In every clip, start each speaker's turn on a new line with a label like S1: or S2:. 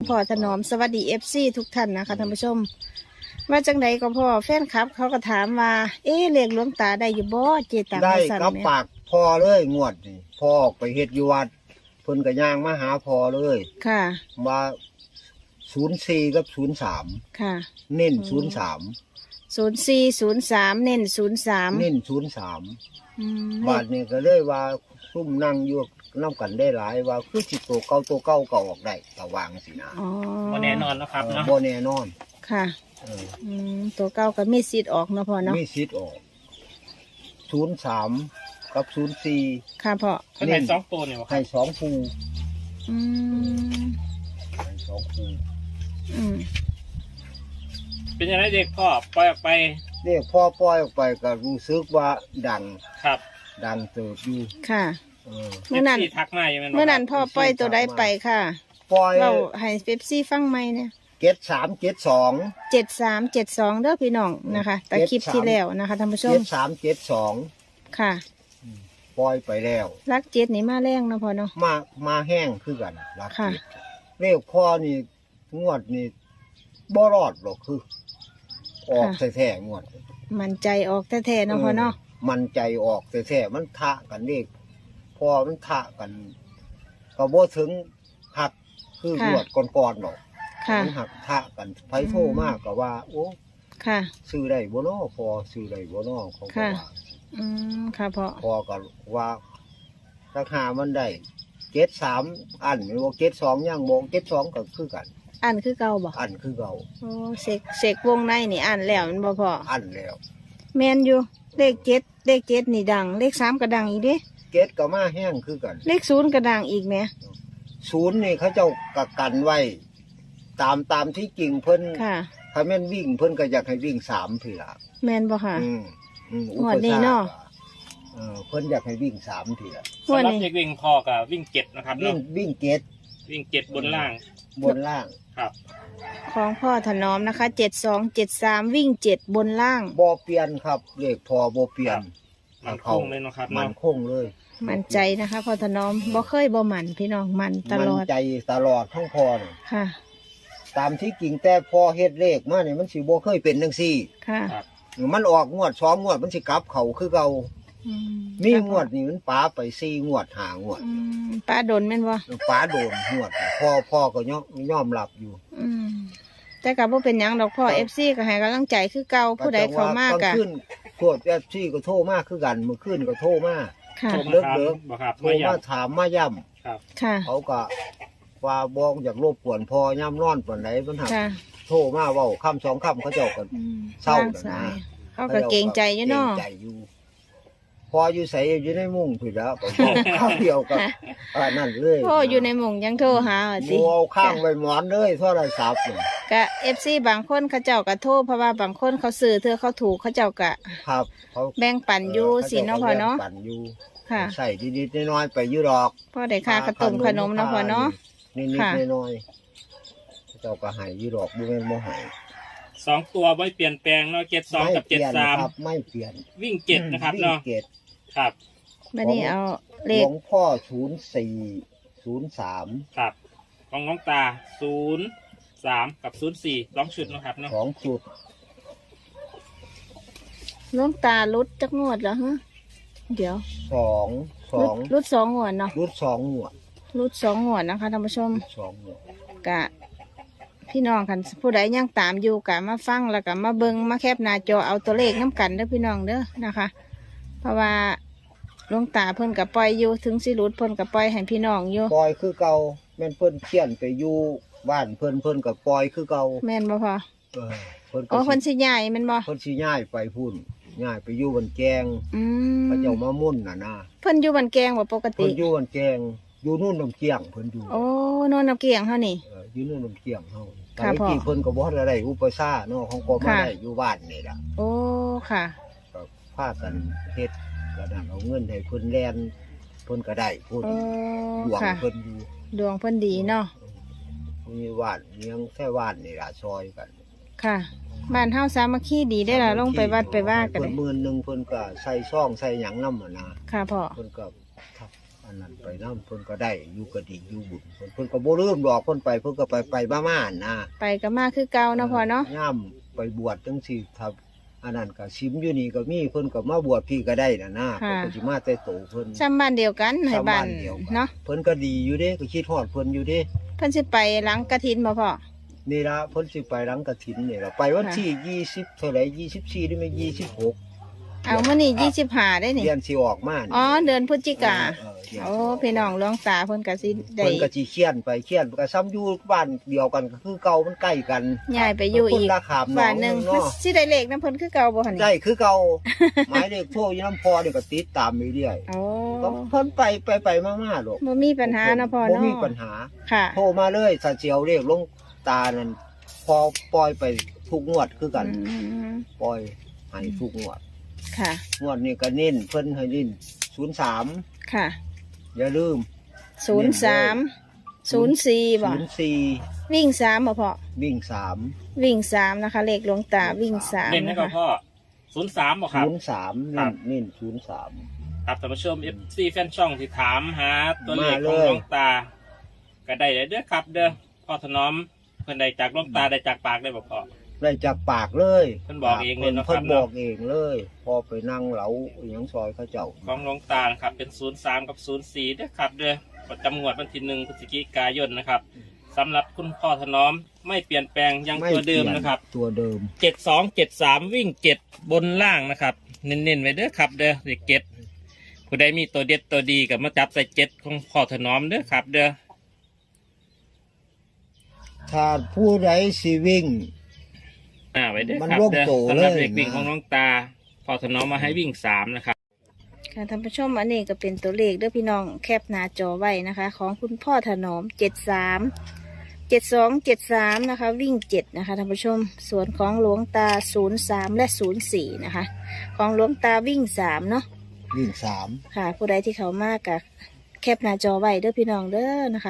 S1: พ่อถนอมสวัสดีFCทุกท่านนะคะท่านผู้ชมว่าจังใดก็พ่อแฟนคลับ เขาก็ถามว่าเลขหลวงตาได้อยู่บ่เจตัง
S2: ได้
S1: สั่น
S2: กับ
S1: เนี่ย
S2: ปากพอเลยงวดนี่พ่อออกไปเฮ็ดอยู่วัดเพิ่นก็ย่างมาหาพอเลย
S1: ค่ะ
S2: ว่า04กับ03
S1: ค่ะ
S2: เน้น03
S1: 0403เน้น03
S2: เน้น03บาดนี้ก็เลยว่าซุ่มนั่งอยู่นำกันได้หลายว่าคือสิตัวเก่าก็ออกได้ก็วางสินะ
S1: อ๋อ
S3: บ่แน่นอนนะครับเนาะ
S2: บ่แน่นอน
S1: ค่ะ
S2: เออ
S1: ตัวเก่าก็มีสิทธิ์ออกเนาะพ่อเนาะ
S2: มีสิทธิ์ออก03กับ04
S1: ค่ะพ่อ
S3: เพิ่นให้สองตัวเนี่ยบ่ครั
S2: ให้
S3: บ
S2: 2คู่
S1: อืม
S2: ให้2คู่
S1: อืม
S3: เป็นยังไงเด็กพ่อปล่อยออกไป
S2: นี่พอปล่อยออกไปก็รู้สึกว่าดัง
S3: ครับ
S2: เติบอยู่
S1: ค่ะ
S2: เออ
S1: เมื่อนั้น
S3: ที่ทักมาอยู่แม่นบ่
S1: เมื่อนั้น
S3: ครับ
S1: พ่อปล่อยตัวใดไปค่ะ
S2: ปล่อย
S1: เราให้เป๊ปซี่ฟังไหมเนี่ย
S2: 73 72
S1: 7372เด้อพี่น้องนะคะแต่คลิปที่แล้วนะคะท่านผู้ชม
S2: 73 72
S1: ค่ะ
S2: ปล่อยไปแล้ว
S1: รักเจ็ดนี่มาแรงเนาะพ่อเนาะ
S2: มาแห้งคือกันรัก
S1: ค่ะ
S2: เจ็ดเลขพ่อนี่งวดนี่บ่รอดหรอกคือ ออกแท้ๆงวด
S1: มันใจออกแท้ๆเนาะพ่อเนาะ
S2: มันใจออกแท้ๆมันทะกันเลขพ่อมันทะกันก็บ่ถึงหักคืองวดก่อนๆหรอก
S1: ค่ะ
S2: มันหักทะกันไผโทรมากก็ว่า โอ้
S1: ค่ะ
S2: ซื้อได้บ่น้อพอซื้อได้บ่น้อเขาก็
S1: ค่ะ
S2: ว่า
S1: ค่ะพ่อ
S2: พอก็ว่าราคามันได้73อันไม่ว่า72ยังบ่72ก็คือกัน
S1: อันคือเก่าบ่
S2: อันคือเก่า
S1: โอ้เสกวงในนี่อันแล้วมันบ่พ่อ
S2: อันแล้ว
S1: แมนอยู่เลขเจ็ดนี่ดังเลข3ก็ดังอีกเด้
S2: เกตก็มาแห้งคือกัน
S1: เลข0ก็ดังอีกแหม
S2: ศูนย์นี่เขาเจ้ากักกันไว้ ตามที่จริงเพิ่น
S1: ค่ะ
S2: ถ้าแม่นวิ่งเพิ่นก็อยากให้วิ่ง3พี่ล่ะ
S1: แมนบ่ค่ะ
S2: อุ
S1: ง
S2: ป
S1: วดนี้
S2: สรรค
S1: เนาะ
S2: เพิ่นอยากให้วิ่ง3พี่ล่ะ
S1: งวด
S3: สำหรับ
S1: นี้
S3: เด็กวิ่งพ่อกับวิ่งเจ็ดนะครับ
S2: วิ่
S3: เนาะ
S2: งเกต
S3: วิ่งเจ็ดบนล่าง
S2: บนล่าง
S3: ครับ
S1: ของพ่อถนอมนะคะ7273วิ่ง7บนล่าง
S2: บ่เปลี่ยนครับเลขพอบ่เปลี่ยน
S3: มันคงเลยเนาะครับ
S2: มั
S3: เนาะ
S2: นคงเลย
S1: มั่นใจนะคะพ่อถนอมบ่เคยบ่หมั่นพี่น้องหมั่นตลอด
S2: มันใจตลอดทั้งพอนี่
S1: ค่ะ
S2: ตามที่จริงแต่พอเฮ็ดเลขมานี่มันสิบ่เคยเป็นจังซี่
S1: ค่ะ
S3: ครับ
S2: มันออกงวด2งวดมันสิกลับเข้าคือเก่า
S1: อื
S2: มีงวดนี่มันป๋าไป4งวด5งวด
S1: ป้าดนแม่นบ่
S2: ป๋าโดนงวดพ่อก็ยอมรับอยู่
S1: แต่ก็บ่เป็นหยังดอกพ่อ FC ก็ให้กำลังใจคือเก่าผู้ใดเข้ามาก
S2: ล
S1: ะ
S2: งคืนพวก FC ก็โทรมาคือกันมื้อคืนก็โทรมา
S1: ค่ะ
S3: โทร
S2: เลิ
S3: มาก ถาม
S2: เลิก
S3: บ่ครับ
S2: โทร
S3: มาย้
S2: มาถามมาย้ำ
S3: ครับ
S1: ค่ะ
S2: เขาก็ว่าบ่อยากรบกวนพ่อย่ำนอนปานใดมันหัก
S1: ค่ะ
S2: โทรมาเว้าคำ2คำเขาเจ้าก็ เศร้า
S1: ว่งสายเขาก็เกรงใจอยู่เนาะ
S2: เกรงใจอยู่พออยู่ใส่อยู่ในมุ้งผิดแล้วก็บอกข้าวเดียวกับนั่นเลย
S1: พ่ออยู่ในหม่งยังโทรหาว่าติ
S2: โมเอาข้างไว้หมอนเลยโทรศัพท์เนี่ย
S1: ก็ FC บางคนเขาเจ้าก็โทรเพราะว่าบางคนเขาซื้อเธอเขาถูกเขาเจ้าก็
S2: ครับเขา
S1: แบ่งปันอยู่สิเนาะพ่อเนาะ
S2: ปั่นอยู่
S1: ค่ะ
S2: ใส่นิดๆน้อยๆไปอยู่ดอก
S1: พ่อได้ค่าขนมขนมเนาะพ่อเนาะ
S2: นิด
S1: ค่ะ
S2: ๆน้อยๆเจ้าก็ใหายอยู่ดอกบ่แม่นบ่ใหาย
S3: สองตัวไม่เปลี่ยนแปลงเนาะเจ็ดสองกับ
S2: เปลี่ยน
S3: 73
S2: ครับไม่เปลี่ยน
S3: วิ่งเจ็ดนะครับเนาะ
S2: วิ่งเกต
S3: ครับ
S1: บัดนี้เอาเล
S2: หล
S1: ข
S2: วงพ่อ0403
S3: ครับของน้องตา03กับ04 2ชุดเนาะครับเนาะ
S2: ของจุด
S1: หลวงตาลุดจักงวดเหรอฮะเดี๋ยว
S2: สอง
S1: ลุด2งวดเนาะ
S2: รุด2งวด
S1: ลุด2งวดนะคะท่านผู้ชม
S2: 2งวด
S1: กะพี่น้องคันผู้ใดยังตามอยู่กะมาฟังแล้วกะมาเบิงมาแคปหน้าจอเอาตัวเลขน้ำกันเด้อพี่น้องเด้อนะคะ เพราะว่าหลวงตาเพิ่นกับปล่อยอยู่ถึงสิรุดเพิ่นกับปล่อยให้พี่น้องอยู่
S2: ปล่อยคือเก่าแม่นเพิ่นเขียนไปอยู่บ้านเพิ่นก็ปล่อยคือเก่า
S1: แม่นบ่พอ
S2: เออเพิ่น
S1: โอ้
S2: ก็
S1: เพิ่นสิย้ายแม่นบ่
S2: เพิ่นสิย้ายไปพุ่นย้ายไปอยู่บันแกง
S1: อืม
S2: เขาเจ้ามามุ่นน่ะนะ
S1: เพิ่นอยู่บ้านแกงบ่ปกติ
S2: เพิ่นอยู่บันแกงอยู่นู่นน้ำเกียงเพิ่นอยู่
S1: โอ้นอนน้ำเกียงเฮานี่
S2: อยู่นู่นน้ำเกียงเฮา
S1: ค่ะ
S2: แต่
S1: พ่อ
S2: ที่เพิ่นก็บ่ทันได้อุปสาเนาะของก็มา
S1: ค่ะ
S2: ได้อยู่บ้านนี่ล่ะ
S1: โอ้ค่ะ
S2: ก็พากันเฮ็ดก็นั่นเอาเงินให้เพิ่นแลนเพิ่นก็ได้พุ่น
S1: โอ้
S2: หลวง
S1: ค่ะ
S2: เพิ่นอยู่
S1: ดวงเพิ่นดีเนาะ
S2: มีบ้านเลี้ยงแค่บ้านนี่ล่ะซอยกัน
S1: ค่ะ บ้านเฮาสามัคคีดีได้อล่ะลงไปวัดไปว่ากัน
S2: เพิ่
S1: เล
S2: น
S1: ย
S2: หมื่นหนึงเพิ่นก็ใส่ซองใส่หยังนำอ่ะนะ
S1: ค่ะพ่อ
S2: เพิ่นก็อันนั้นไปน้ำเพิ่นก็ได้อยู่ก็ดีอยู่บุญเพิ่นก็บ่ลืมดอกเพิ่นไปเพิ่นก็ไปมาๆนะ
S1: ไปก็มาคือเก่าเนาะพ่อเนาะ
S2: ย่ำไปบวชจังซี่ถ้าอันนั้นก็ชิมอยู่นี่ก็มีเพิ่นก็มาบวชพี่ก็ได้นะเพิ่นก็สิมาแต่โตเพิ่น
S1: ซ้ำบ้านเดียวกันให้บ้าน
S2: เดียวกัน
S1: เนาะ
S2: เพิ่นก็ดีอยู่เด้ก็คิดฮอดเพิ่นอยู่เด้
S1: เพิ่นสิไปหลังกฐินบ่พ่อ
S2: นี่ล่ะเพิ่นสิไปหลังกฐินนี่ล่ะไปวันที่20เท่าไหร่24หรือไม่26
S1: เอามื้อนี้25ได้นี่
S2: เดือนสิออกมานี่
S1: อ๋อเดือนพฤศจิกา
S2: เดือน
S1: โอ้
S2: สิก
S1: พี่น้องหลวงตาเพิ่นก็สิได้
S2: เพิ่นก็สิเขียนไปเขียนก็ซ้ำอยู่บ้านเดียวกันก็คือเก่ามันใกล้กัน
S1: ย้ายไปอยู่อีก
S2: คนละขามหน
S1: บ้า
S2: อน ง
S1: หนึง
S2: เนาะ
S1: สิได้เลขนํเพิ่นคือเก่าบ่หั่นนี่
S2: ได้คือเก่า หมายเลขโทรอยู่น้ำพอนี่ก็ติดตามไปเรื่อย
S1: โอ้
S2: ก็เพิ่นไปมาๆดอก
S1: บ่มีปัญหาเนาะพ่อ
S2: บ่
S1: เนาะ
S2: มีปัญหา
S1: ค่ะ
S2: โทรมาเลยถ้าเจียวเลขลงตานั่นพอปล่อยไปทุกงวดคือกัน
S1: อืม
S2: ปล่อยให้ทุกงวด
S1: ค่ะ
S2: งวดนี้ก็เน้นเพิ่นให้เน้น03
S1: ค่ะ
S2: อย่าลืม
S1: 03 04บ่
S2: 04
S1: วิ่ง3บ่พ่อ
S2: วิ่ง
S1: วิ่ง3นะคะเลขหลวงตาวิ่ง3
S3: เล่นให้
S1: นะ
S3: กับ
S1: คะ
S3: พ่อ03บ่ครับ
S2: 03
S3: ครั
S2: เน้น
S3: บ
S2: เน้น03
S3: ครับท่านผู้ชม FC แฟนช่องที่ถามหาตัวเลข
S2: มา
S3: ข
S2: เล
S3: อง
S2: ย
S3: หลวงตา ก็ได้เด้อครับ เด้อพ่อถนอมเพิ่นได้จากหลวงตาได้จากปากได้บ่พ่อ
S2: ได้จากปากเลย
S3: เพิ่นบอกเองเลยเนาะครับ
S2: เพิ่นบอกเองเลย พอไปนั่งเหลาอหยังซอยเขาเจ้า
S3: ของหลวงตานะครับเป็น03กับ04เด้อครับ เด้อประจำงวดวันที่1พฤศจิกายนนะครับสำหรับคุณพ่อถนอมไม่เปลี่ยนแปลงยังตัวเดิมนะครับ
S2: ตัวเดิม
S3: 7273 วิ่ง7บนล่างนะครับ เน้นๆไว้เด้อครับ เด้อเลข7ผู้ใดมีตัวเด็ดตัวดีก็มาจับใส่7ของพ่อถนอมเด้อครับ เด้อ
S2: ถ้าผู้ใดสิวิ่ง
S3: ไว้เด้อ
S2: มัน
S3: ครับ
S2: ร่วม
S3: เด้อ
S2: โต
S3: สำหรับ
S2: เลย
S3: เลขวิ่ง
S2: นะ
S3: ของน้องตาพ่อถนอมมาให้วิ่ง3นะครับ
S1: ค่ะท่านผู้ชมอันนี้ก็เป็นตัวเลขเด้อพี่น้องแคปหน้าจอไว้นะคะ ของคุณพ่อถนอม7273นะคะ วิ่ง7นะคะท่านผู้ชมส่วนของหลวงตา03และ04นะคะ ของหลวงตาวิ่ง3เนาะ
S2: วิ่ง
S1: ค่ะ ผู้ใดที่เขามากกับแคปหน้าจอไว้เด้อพี่น้องเด้อนะคะ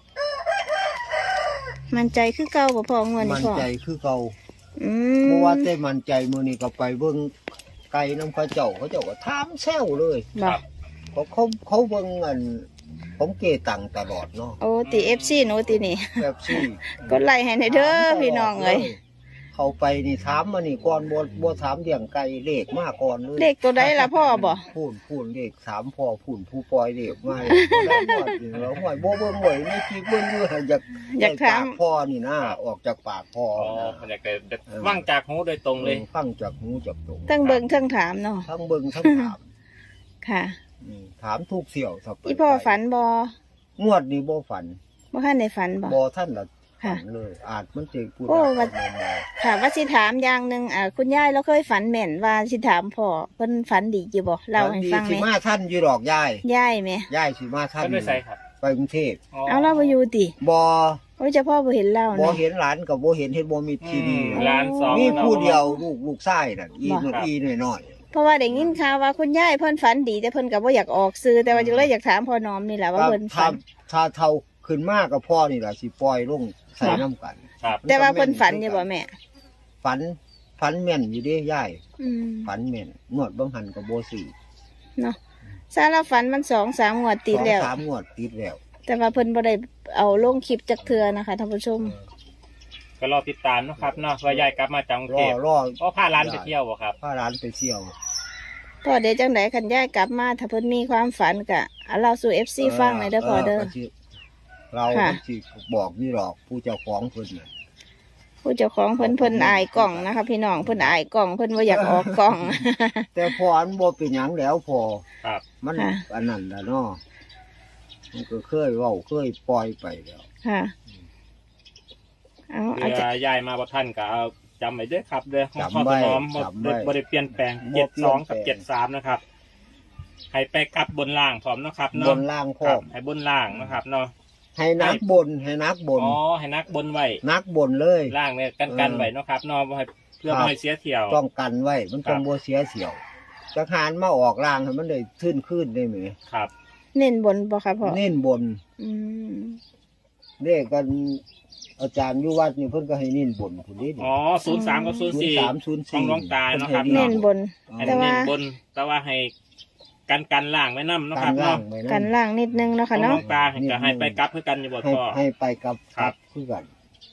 S1: มันใจคือเก่าบ่พองวด
S2: 3
S1: นี้
S2: มั่น
S1: พ่อ
S2: ใจคือเก่า
S1: อื
S2: เพราะ
S1: ม
S2: ว่าแต่มั่นใจมื้อนี้ก็ไปเบิ่งไก่น้ำเขาเจ้าก็ถามแซวเลย
S1: บ่
S2: เขาเบิ่งอันผมเกตังตลอดเนาะ
S1: โอ้ตี FC หนูตีนี่
S2: แบบซี่
S1: กดไลค์ให้ในอยเด้อพี่น้องเอ้ย
S2: เขาไปนี่ถามมานี่ก่อนบ่ถามเรื่องไก่เลขมาก่อนเลย
S1: เลขตัวใดล่ะพ่อบ่
S2: พูนเลข3พ่อพูนผู้ปล่อยเลขมาแล้วหมดแล้วหมดบ่เบิ่งไว้ในคลิปเบิ่งอยู่อยากได้ปากพ่อนี่นะออกจากปากพ่อ
S3: อ๋อ
S2: นะ
S3: มันอยากจะว่างจากหูโดยตรงเลย
S2: ฟังจากหูจากตรง
S1: ทั้งเบิ่งทั้งถามเนาะ
S2: ทั้งเบิ่งทั้งถาม
S1: ค่ะ
S2: ถามทุกเสี่ยวสับ
S1: อีพ่อฝันบ่
S2: งวดนี้บ่ฝัน
S1: บ่ทันได้ฝันบ่
S2: บ่ท่านละ
S1: ค่ะ
S2: ฝันเลย อาจมันจะพูด
S1: โอ้
S2: ได้
S1: ว่า ค่ะว่าสิถามอย่างหนึงคุณยายเราเคยฝันแม่นว่าสิถามพ่อเพิ่นฝันดีอยู่บ่เล่าให้ฟัง
S2: สิ
S1: แหน่
S2: มาท่านอยู่ดอกยาย
S1: ยายแหม่
S2: ยายสิมาท่าน
S3: ก็ด้วยใส่ครับ
S2: ไปกรุงเทพ
S1: เอาเราบ่อยู่ติ
S2: บ่
S1: โอ้ยเจ้าพ่อบ่เห็นเรา
S2: บ่
S1: เนาะ
S2: เห็นหลานกับบ่เห็นเฮ็ดบ่มีทีดี
S3: ร้านสอง
S2: มีผู้เดียว
S3: นาะ
S2: ลูกชายน่ะอี
S1: บ่
S2: นอีน้อย
S1: เพราะว่าได้ยินข่าวว่าคุณยายเพิ่นฝันดีแต่เพิ่นก็บ่อยากออกสื่อแต่ว่าจึงเลยอยากถามพ่อน้อมนี่แหละ
S2: ๆ
S1: ว่าเพิ่นฝัน
S2: ถ้าเท่าขึ้นมากกับพ่อนี่ล่ะสิปล่อยลงใส่น้ำกัน
S3: ครับ
S1: แต่ว่าเพิ่นฝันอยู่บ่แม่
S2: ฝันแม่นอยู่เด้ยาย
S1: อืม
S2: ฝันแม่นงวดบางหันก็บ่ซื้อ
S1: เนาะซาลาฝันมัน2-3งวดติดแล้ว
S2: 2-3งวดติดแล้ว
S1: แต่ว่าเพิ่นบ่ได้เอาลงคลิปจักเทื่อนะคะท่านผู้ชม
S3: ก็รอติดตามนะครับเนาะว่ายายกลับมาจากกรุง
S2: ร
S3: เท
S2: อ
S3: พ
S2: รอ
S3: ก็พาร้านไปเที่ยวบ่ครับ
S2: พาหลานไปเที่ยว
S1: พ่อเดี๋ยวจังไดคันยายกลับมาถ้าเพิ่นมีความฝันก็เอาเราสู่ FC ฟังหน่อยเด้อพ่อเด้อ
S2: ก็สิเรา
S1: ค่ะ
S2: สิบอกนี่หรอกผู้เจ้าของเพิ่นน่ะ
S1: ผู้เจ้าของเพิ่นอายกล่องนะคะพี่น้องเพิ่นอายกล่องเพิ่นบ่อยากออกกล่อง
S2: แต่พออันบ่เป็นหยังแล้วพอ
S3: ครับ
S2: มัน
S1: ค่ะ
S2: อันนั้นล่ะเนาะมันก็เคยเว้าเคยปล่อยไปแล้ว
S1: ค่ะเอา
S3: เรื
S1: จะ
S3: อยายมาบ่ท่านก็เอาจำไว้เด้อครับเด้อของพ่อ
S2: จำไว้
S3: ถนอม
S2: จำไว้
S3: บ่ได้เปลี่ยนแปลง
S2: บ่เปลี่ยนแปลง
S3: 72กับ73นะครับ ให้ไปกลับบนล่างพร้อมเนาะครับ
S2: บ
S3: เนาะ
S2: นล่างพ
S3: ค
S2: ร้อ
S3: รับ
S2: ม
S3: ให้บนล่างนะครับเนาะ
S2: ให้นักบนให้นักบน
S3: อ๋อให้นักบนไว้
S2: นักบนเลย
S3: ล่างเนี่ยกันไว้เนาะครับเนาะบ่ให้เพื่อ
S2: ครับ
S3: บ่ให้เสียเที่ยว
S2: ต้องกันไว้ มันต้องบ่เสียเสียวจักหารมาออกล่างให้มันได้ขึ้นได้ไหม
S3: ครับ
S1: เน้นบนบ่คะพ่อ
S2: เน้นบน
S1: อืม
S2: เด้กันอาจารย์อยู่วัดนี่เพิ่นก็ให้เน้นบนพุ่นนี่
S3: อ๋อ03กับ04
S2: 03 04
S3: ของหลวงตาเนาะครับ
S1: เน้นบน
S3: ให้
S1: แต่ว่า
S3: เน้นบนแต่ว่าให้กันล่างไว้นำเนาะ
S2: กา
S3: ครั
S2: ร
S3: บ
S2: ล่า
S3: เนาะ
S2: งไว้
S1: กัน
S2: นะ
S1: ล่างนิดนึงเนาะ
S3: ขอ
S1: ค่ะ
S3: งน้
S1: เนาะ
S3: องตาก็ให้ไปกลับเพื่อกันอยู่บ่
S2: ให้
S3: พ่อ
S2: ให้ไปกับ
S3: ครับ
S2: คือกัน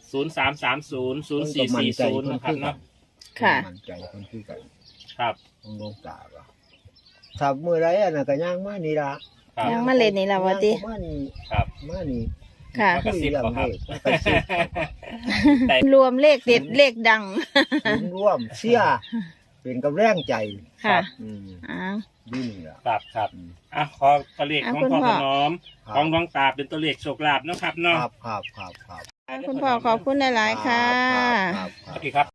S3: 03300440นะครับเนาะ
S1: ค่ะ
S2: มันใจคนคือกัน
S3: ครับ
S2: ของหลวงตาก็ถ้ามื้อไรอันน่ะก็ย่างมานี่ล่ะ
S3: ครับ
S1: ยังมาเล่นนี่ล่ะว่าติ
S2: ย่างมานี่
S3: ครับ
S2: มานี่
S1: ค่ะ
S3: มากระซิบบ่ครับ
S2: กระซิบ
S3: แต่
S1: รวมเลขเด็ดเลขดัง
S2: ศูนย์ร่วมเสียเป็นกำแรงใจ
S1: ค่ะ
S2: อืม
S1: อ้าว
S2: นี่ล่ะ
S3: ครับครับ
S2: อืม
S3: อ่ะขอตัวเลขของ
S1: คุณ
S3: พ่อ
S1: พ่อ
S3: ถนอม
S2: ครับ
S3: ของดวงตาเป็นตัวเลขโชคลาภเนาะครับ
S2: ค
S3: เนาะ
S2: รับครับครับครับ
S1: คุณพ่อขอบคุณหลายๆค่ะ
S2: ครับ
S3: สวัสดีครับ